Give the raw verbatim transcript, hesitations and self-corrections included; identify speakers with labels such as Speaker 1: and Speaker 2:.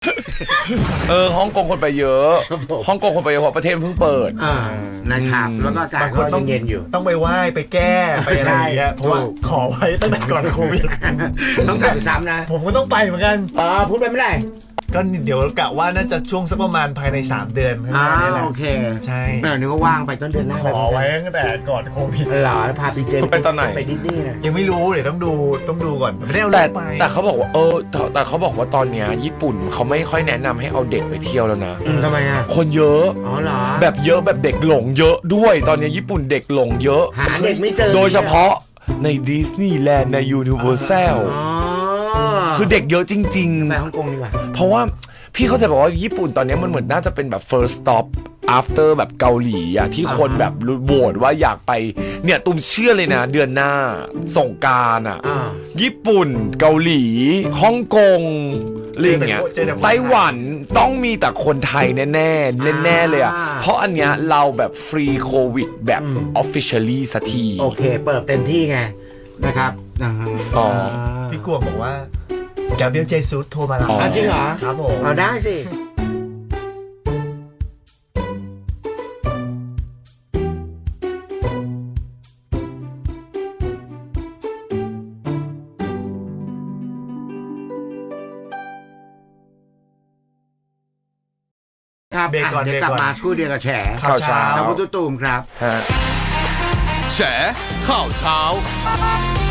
Speaker 1: เออฮ่องกงคนไปเยอะฮ่องกงคนไปเยอะเพราะประเทศเพิ่งเปิด
Speaker 2: อ่านะครับแล้วก็อากาศก็เย็นๆอยู่
Speaker 3: ต้องไปไหว้ไปแก้ไปอะไรอย่างเงี้ยเพราะว่าขอไว้ตั้งแต่ก่อนโควิด
Speaker 2: ต้องกลับไปซ้ำนะ
Speaker 3: ผมก็ต้องไปเหมือนกัน
Speaker 2: อ๋อพูดไปไม่ได้
Speaker 3: ก็เดี๋ยวกะว่าน่าจะช่วงสักประมาณภายในสามเดือนข้างหน้านี่แหละ
Speaker 2: โอเค
Speaker 3: ใช่
Speaker 2: เดี๋ยวนี้ก็ว่างไปต้นเดือนหน้า
Speaker 3: ขอไว้ตั้งแต่ก่อนโควิด
Speaker 2: เหรอพาไปเจ
Speaker 1: ไปตอนไหน
Speaker 2: ไปดิสนีย์นะ
Speaker 3: ยังไม่รู้เดี๋ยวต้องดูต้องดูก่อนไม่ได้เอา
Speaker 1: แต่
Speaker 3: ไป
Speaker 1: แต่เขาบอกว่าเออแต่เขาบอกว่าตอนเนี้ยญี่ปุ่นเขาไม่ค่อยแนะนำให้เอาเด็กไปเที่ยวแล้วนะ
Speaker 2: ทำไมอ่ะ
Speaker 1: คนเยอะ
Speaker 2: อ๋อเหรอ
Speaker 1: แบบเยอะแบบเด็กหลงเยอะด้วยตอนนี้ญี่ปุ่นเด็กหลงเยอะ
Speaker 2: หาเด็กไม่เจอ
Speaker 1: โดยเฉพาะในดิสนีย์แลนด์ในยูนิเวอร์แซลคือเด็กเยอะจริงๆ
Speaker 2: ไปฮ่องกงดีกว่า
Speaker 1: เพราะว่าพี่เข้าใจบอกว่าญี่ปุ่นตอนนี้มันเหมือนน่าจะเป็นแบบ first stop after แบบเกาหลีอะที่คนแบบโหวตว่าอยากไปเนี่ยตุ้มเชื่อเลยนะเดือนหน้าสงกรานต์อะญี่ปุ่นเกาหลีฮ่องกงอะไรอย่างเงี้ยไต้หวันต้องมีแต่คนไทยแน่ๆแน่ๆเลยอะเพราะอันเนี้ยเราแบบฟรีโควิดแบบ officially สักที
Speaker 2: โอเคเปิดเต็มที่ไงนะครับ
Speaker 1: อ๋อ
Speaker 3: พี่กวงบอกว่าแกเบลเจซุสโทรมาแล้ว
Speaker 2: จริงเหรอ
Speaker 3: ครับผม
Speaker 2: เอาได้สิครับเดี๋ยวกลับมาสกูเดียวกับแฉ
Speaker 1: ข่าวเช้า
Speaker 2: ชาวพุทธตูมครับ
Speaker 4: แฉข่าวเช้า